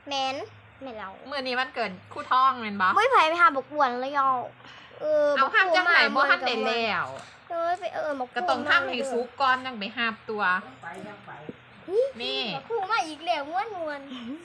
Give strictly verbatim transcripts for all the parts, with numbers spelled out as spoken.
แมนแม่เราเมื่อนี้วันเกิดคู่ท้องแม่นบ่ไม่ไผไปหาบกบวนเลยเอาเออเอาห้ามจังไหนบ่ทันได้แล้วเออไปเออมาก็ต้องทำให้สุกก่อนจังไปหาบตัวนี่คู่มาอีกแล้วม้วนมวน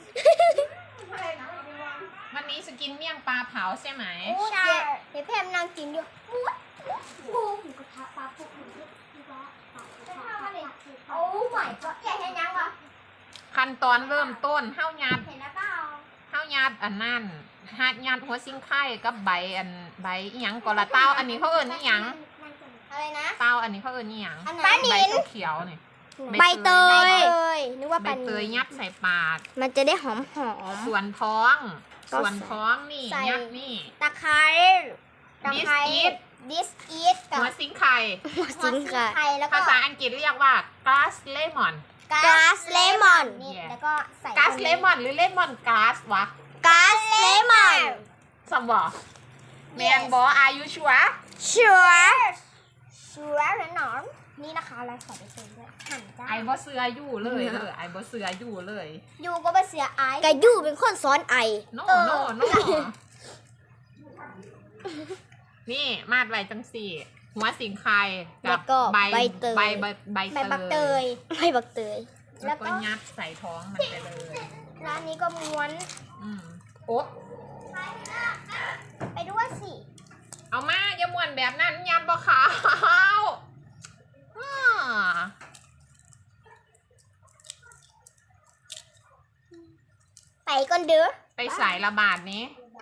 วันนี้สกินเมี่ยงปลาเผาใช่ไหมใช่เดี๋ยวแพมนางกินอยู่ม้วนปูหมูกระทะปลาปุกหมูที่ว่าโอ้ไม่ก็ใหญ่เห็นยังวะขั้นตอนเริ่มต้นเฮายัดเห็นแล้วเปล่าเฮายัดอันนั้นหัดยัดหัวซิงไข่กับใบอันใบอีหยังก่อนละเต้าอันนี้เขาเอิ้นอีหยังอะไรนะเต้าอันนี้เขาเอิ้นอีหยังปลาหนิใบนเขียวๆนี่ใบเตยนึกว่าใบปลาหเตนิยนยัดใส่ปากมันจะได้หอมหอมส่วนท้องก็ส่วนท้องนี่ใส่ยัดนี่ตะไคร้ตะไคร้ This is ดิสอีทกับหัวซิงไข่หัวซิงไข่แล้วก็ภาษาอังกฤษเรียกว่า glass lemon กาสเลมอน Yeah แล้วก็ใส่ glass lemon หรือ lemon glass วะกาสเลมอนสมบ่แมนบอ are you sure ชัวร์ชัวร์แน่นอนนี่นะคะเราใส่ไปเต็มด้วยหั่นจ้าไอ้บ่เสืออยู่เลยเออไอ้บ่เสืออยู่เลยยูก็มาเสียไอ้กะยูเป็นคนซ้อนไอโน่เออโน่โน่นี่มาดไว้จังสี่ หัวสิงไข่แล้กับวก็ใบใบเตยใบใบใบใบบักเตยใบบักเตยแล้แล้ว วก็ก็ยัดใส่ท้องมันไปเลยร้านนี้ก็ม้วนอืมโอ้ไปด้วยสิเอามาอย่าม่วนแบบนั้นยัดบ่ขาวอ่าไปก่อนเด้อไปใส่ระบาดนี้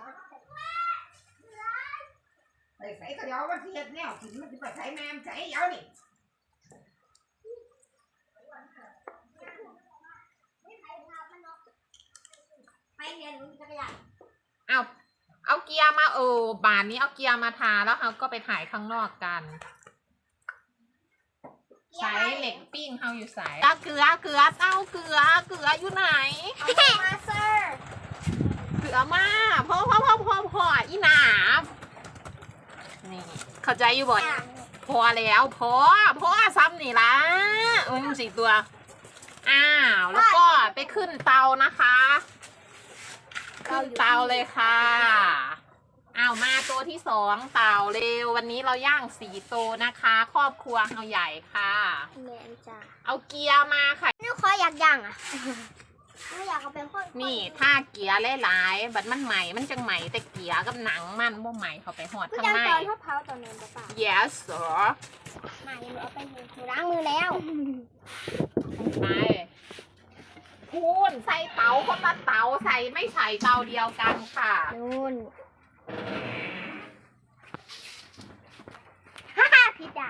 ไปใส่กระเดียววันที่เฮ็ดแนวกินมันจะไปใส่แม่มใส่เยาวนี่ไปเรียนจักรยานเอาเอาเกียร์มาเออบานนี้เอาเกียร์มาทาแล้วเขาก็ไปถ่ายข้างนอกกันใช้เหล็กปิ้งเขาอยู่ใส่เกลือเกลือเต้าเกลือเกลืออยู่ไหนเอามาเซอร์เกลือมาพ่อพ่อพ่อพ่อพ่ออีหนานี่เข้าใจอยู่บ่อยพอแล้วพอพอซ้ำนี่ละอุ้ยมันสี่ตัวอ้าวแล้วก็ไปขึ้นเตานะคะขึ้นเตาเลยค่ะอ้าวมาตัวที่สองเต่าเร็ววันนี้เราย่างสี่ตัวนะคะ ครอบครัวเราใหญ่ค่ะแมนจ้าเอาเกียร์มาค่ะนี่ขออยากย่างอ่ะไม่อยากเอาเป็นคนนี่ถ้าเกียร์หลายๆบัดมันใหม่มันจังใหม่แต่เกียร์กับหนังมันบ่ใหม่เข้าไปหอดไม่ข้างยังในตอนทอดเผาตอนนั้นป่ะ yes sir มายังเอาไปหนูล้างมือแล้วไปพูนใส่เตาคนละเตาใส่ไม่ใส่เตาเดียวกันค่ะนู่นฮ่าฮ่าผิดอ่ะ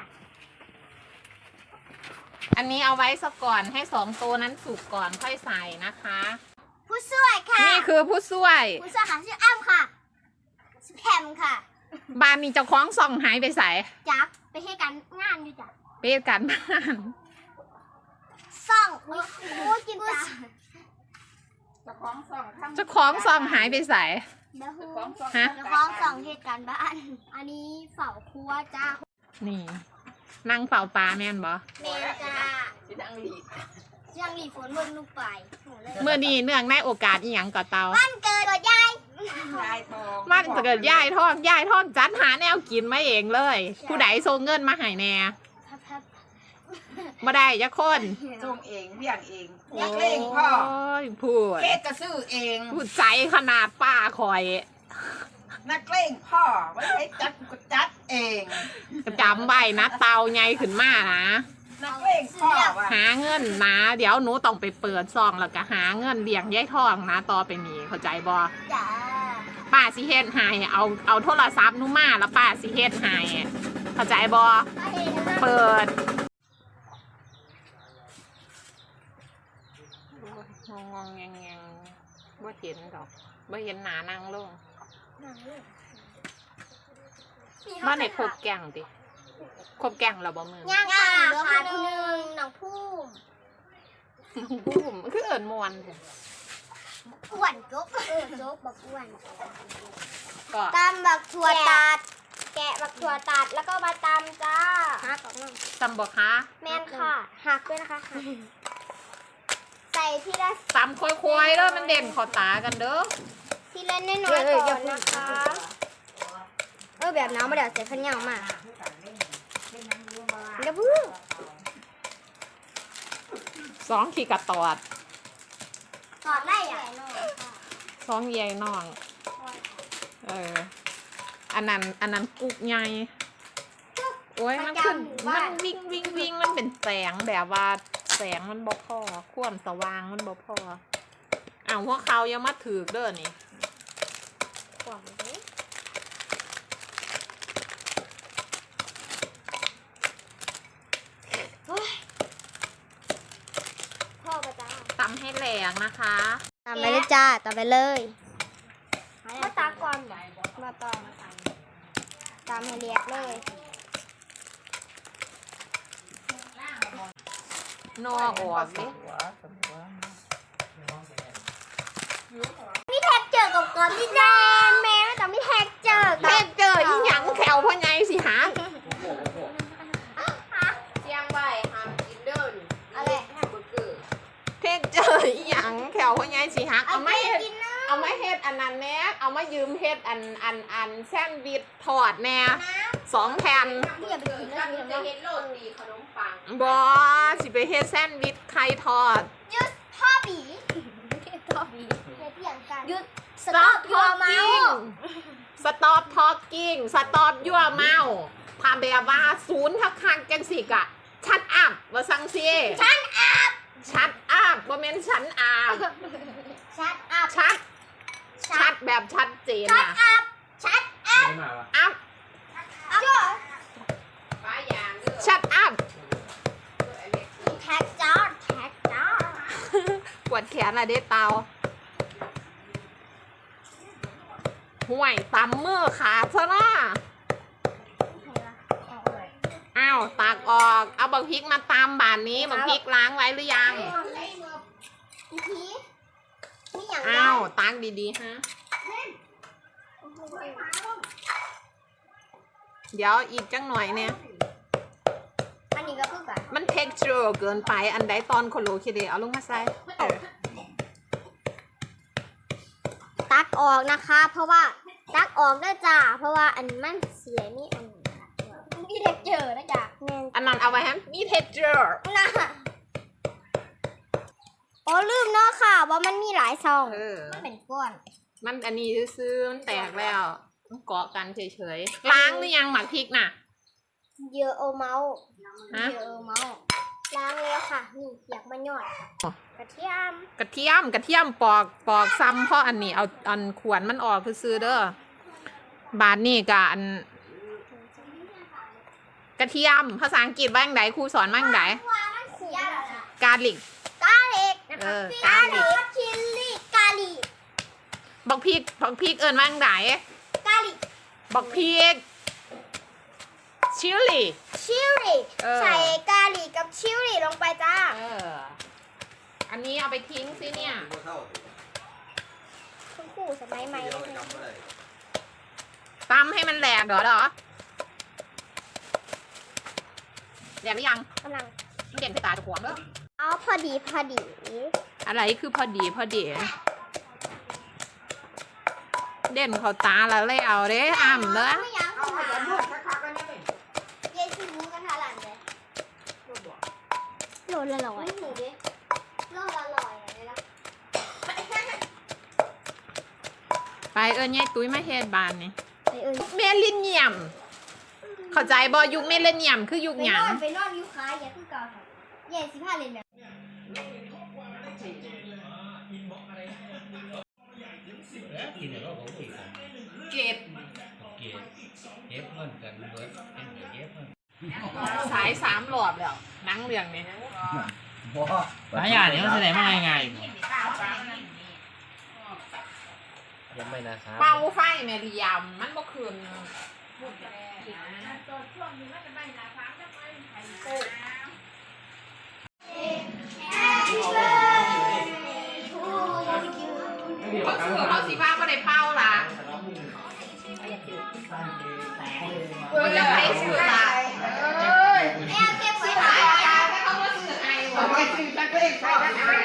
อันนี้เอาไว้ซะก่อนให้สองตัวนั้นสุกก่อนค่อยใส่นะคะผู้ช่วยค่ะนี่คือผู้ช่วยผู้ช่วยค่ะชื่ออ้ำค่ะชื่อแพมค่ะบ้านนี้เจ้าของส่องหายไปใส่จักไปให้กันงานอยู่จ้ะเปรตกันบ้านซ่องอุ้ยอุ้ยกินจ้ะเจ้าของส่องทำเจ้าของส่องหายไปใส่เดี๋ยวเจ้าของส่องฮะเดี๋ยวของส่องเหตุการณ์บ้าน อันนี้เฝ้าครัวจ้านี่นั่งเฝ้าปลาแม่นบ่เมนจ้าสิดังหลียังรีฝนเบิ่งลูกไปโหเลยเมื่อนี้เนื่องในโอกาสอีหยังก่อเตาวันเกิดยายยายทองมันเกิดย่ายทอดย่ายทอดจัดหาแนวกินมาเองเลย ผู้ใดส่งเงินมาให้แน่พับพับบ่ได้จักคนส่งเองเลี้ยงเองนักเลงพ่อโอ้ยพูดเค้กก็ซื้อเองพูดใจขนาดป้าคอยนักเลงพ่อไว้ให้จัดก็จัดเองจำไว้นะเตาใหญ่ขึ้นมานะนักเลงพ่อว่ะหาเงินนะ เดี๋ยวหนูต้องไปเปิดซองแล้วก็หาเงินเลี้ยงยายทองนะต่อไปนี้เข้าใจบ่จ้าป้าสิเฮ็ดให้เอาเอาโทรศัพท์หนูมาแล้วป้าสิเฮ็ดให้เข้าใจบ่เปิดงงงแงงแงงบ่เห็นดอกบ่เห็นหนานั่งลงบ้านไหนครบแกงติครบแกงเราบ่มือย่างค่ะขาดหนึ่งหนังพุ่มบุ้มคือเอิญมวนเถอะอ้วนจุ๊บเออจุ๊บบักอ้วนก็ตำบักถั่วตัด แกะบักถั่วตัดแล้วก็มาตำจ้าหักออกมาตำบ่คะแม่นค่ะหักด้วยนะคะหักใส่ทีละตำค่อยๆเด้อมันเด่นขอตากันเด้อทีละน้อยๆก่อนนะคะเออแบบน้ำมาเดี๋ยวเสียขันยาวมากเดี๋ยวพึ่งสองขีกระตอดถอดได้อ่ะสองใหญ่น้องเอออันนั้นอันนั้นกุกใหญ่โอ้ยมันขึ้นมันวิ่งวิ่งวิ่งมันเป็นแสงแบบว่าแสงมันบ่พอความสว่างมันบ่พออ้าวพวกเขายังมาถือเด้อนี่ขวางเลยพ่อประจ้าตำให้แหลกนะคะตามไปเลยจ้าตามไปเลยมาตาก่อนมาต่อตามให้เรียบเลยนอออกสินี่แท็กเจอกับก่อนที่แดนแม่แต่ไม่แท็กเจอเฮ็ดเจออีหยังแขวพ่อใหญ่สิหาเสียงไว้ห้ามกินเด้อนี่อะไรแฮมเบอร์เกอร์เฮ็ดเจออีหยังแขวพ่อใหญ่สิหาเอาไม่เฮ็ดกินนะเอามาเฮ็ดอันนั้นแน่เอามายืมเฮ็ดอันอันอันแซนด์วิชทอดแน่สองแผ่นพี่อย่าไปกินนะพี่จะเฮ็ดโรตีขนมปังบ่สิไปเฮ็ดแซนด์วิชไข่ทอดยุดพ่อบีพ่อบีเฮ็ดอย่างกันยุด Stop your mouth Stop talking Stop your mouth พาแบบว่าศูนย์คักคักจังสิกะชัดอัพว่าสังซีชัดอัพชัดอัพบ่แม่นฉันอัพชัดอัพชัด ชัดแบบชัดเจนชัดนะอัพชัดอัพอัพอัพชัดอัพแท็กจ้าแท็กจ้าปวดแขนอะเด้เตาห่วยตำมือขาดซะนะอ้าวตากออกเอาบักพริกมาตำบานนี้บักพริกล้างไว้หรือยังอีพีนี่อย่างอ้าวตากดีๆฮะเดี๋ยวอีกจังหน่อยเนี่ยอันนี้ก็คือกันมัน texture เกินไปอันใดตอนโคโลคิเดเอาลงมาใส่เออตักออกนะคะ เพราะว่าตักออกได้จ้าเพราะว่าอันมันเสียนี่อันมีเด็กเจอนะจ๊ะแม่นอันนั้นเอาไว้ฮะมี texture นะโอ้ลืมเนาะค่ะว่ามันมีหลายซองเออมันเป็นก้อนมันอันนี้ซื้อๆมันแตกแล้วมันเกาะกันเฉยๆล้างหรือยังหมักพริกน่ะเยอะโอเมาส์ฮะเยอะโอเมาส์ล้างแล้วค่ะนี่อยากมายอดค่ะกระเทียมกระเทียมกระเทียมปอกปอกซ้ำเพราะอันนี้เอาอันขวนมันออกคือซื้อเด้อบาทนี่กะอันกระเทียมภาษาอังกฤษว่าอย่างไรครูสอนว่าอย่างไรว่ามันเสียแล้วค่ะกาลิกกาลิกนะเอคะอกาลิกชิลลี่กาลิกบอกพริกบอกพริกเอิญว่าอย่างไรกาลิกบอกพริกชิลลี่ชิลลี่เออใส่กาลิกกับชิลลี่ลงไปจ้าเอออันนี้เอาไปทิ้งสิเนี่ยคุณครูสมัยใหม่เลยนะตำให้มันแหลกเหรอเหรอแหลกหรือยังกำลังมันเด่นใส่ตาจะขวางเด้อเอาพอดีพอดีอะไรคือพอดีพอดี เด่นเขาตาแล้วเลยเอาเด้อ่ำเด้อไม่ยังเอาค่ะไปนวดคักๆกันนี่เย็นชิมูกันทาหลังเลยโลละร้อยหูดิโลละร้อยเลยนะไปเอิญยายตุ้ยมาเฮ็ดบานนี่ไปเอ้ยเมลิเนียม เข้าใจบ่ยุคเมลิเนียมคือยุคไปหนยัอง นไปนอนยูคาอย่าคือเก่าค่ะเย็นสิบห้าเลยเนี่ยกินแล้วก็ของผิดกันเก็บเก็บเก็บเงินกันเบิดเป็นเก็บเงินสายสามหลอดแล้วหนังเรื่องนี้หลายอย่างนี้มันแสดงว่าไงยังไม่นะครับเป่าไฟเมลิยมมันบ่คืน เขาซื้อเขาสีฟ้าบ่ได้เป่าล่ะเออจะไปซื้อล่ะเอ้ยแม่เก็บไว้หลายอย่างให้เขามาซื้อให้บ่เอาไปซื้อกันตัวเองใช้กันเอง